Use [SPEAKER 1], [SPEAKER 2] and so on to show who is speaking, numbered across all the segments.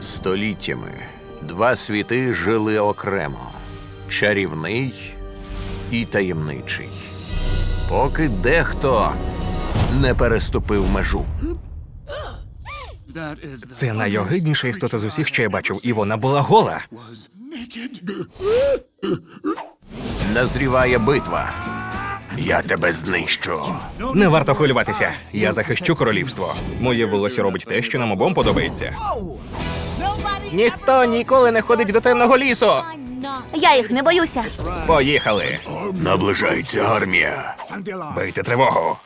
[SPEAKER 1] Століттями два світи жили окремо – чарівний і таємничий. Поки дехто не переступив межу.
[SPEAKER 2] Це найогидніша істота з усіх, що я бачив, і вона була гола.
[SPEAKER 1] Назріває битва. Я тебе знищу.
[SPEAKER 2] Не варто хвилюватися. Я захищу королівство. Моє волосся робить те, що нам обом подобається. Ніхто ніколи не ходить до темного лісу.
[SPEAKER 3] Я їх не боюся.
[SPEAKER 2] Поїхали.
[SPEAKER 1] Наближається армія.
[SPEAKER 2] Бийте тривогу.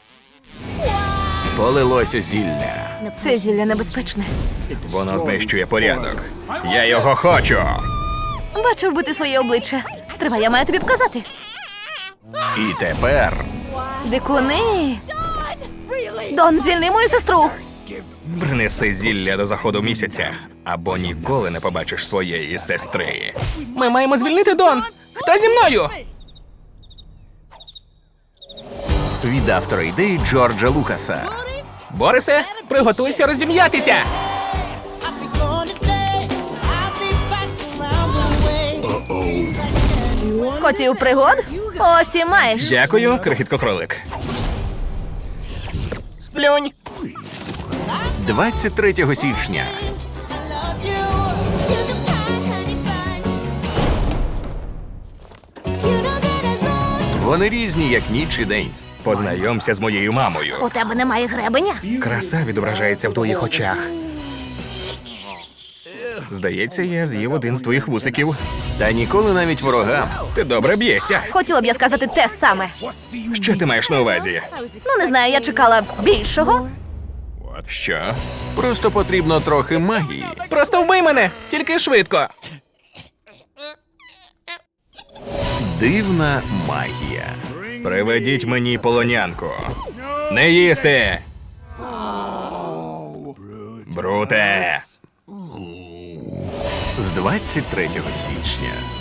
[SPEAKER 1] Полилося зілля.
[SPEAKER 3] Це зілля небезпечне.
[SPEAKER 2] Воно знищує порядок. Я його хочу.
[SPEAKER 3] Бачив би ти своє обличчя. Стривай, я маю тобі показати.
[SPEAKER 1] І тепер
[SPEAKER 3] Дикуни! Дон, звільни мою сестру!
[SPEAKER 2] Принеси зілля до заходу місяця, або ніколи не побачиш своєї сестри. Ми маємо звільнити Дон! Хто зі мною?
[SPEAKER 1] від автора ідеї Джорджа Лукаса.
[SPEAKER 2] Борисе, приготуйся роздім'ятися!
[SPEAKER 3] Хотів пригод? Ось і маєш.
[SPEAKER 2] Дякую, крихітко-кролик. Сплюнь!
[SPEAKER 1] 23 січня. Вони різні, як ніч і день.
[SPEAKER 2] Познайомся з моєю мамою.
[SPEAKER 3] У тебе немає гребеня?
[SPEAKER 2] Краса відображається в твоїх очах. Здається, я з'їв один з твоїх вусиків.
[SPEAKER 1] Та ніколи навіть ворогам.
[SPEAKER 2] Ти добре б'єшся.
[SPEAKER 3] Хотіла б я сказати те саме.
[SPEAKER 2] Що ти маєш на увазі?
[SPEAKER 3] Ну, не знаю, я чекала більшого.
[SPEAKER 2] Що?
[SPEAKER 1] Просто потрібно трохи магії.
[SPEAKER 2] Просто вбий мене, тільки швидко.
[SPEAKER 1] Дивна магія.
[SPEAKER 2] Приведіть мені полонянку. Не їсти! Бруте!
[SPEAKER 1] З 23 січня.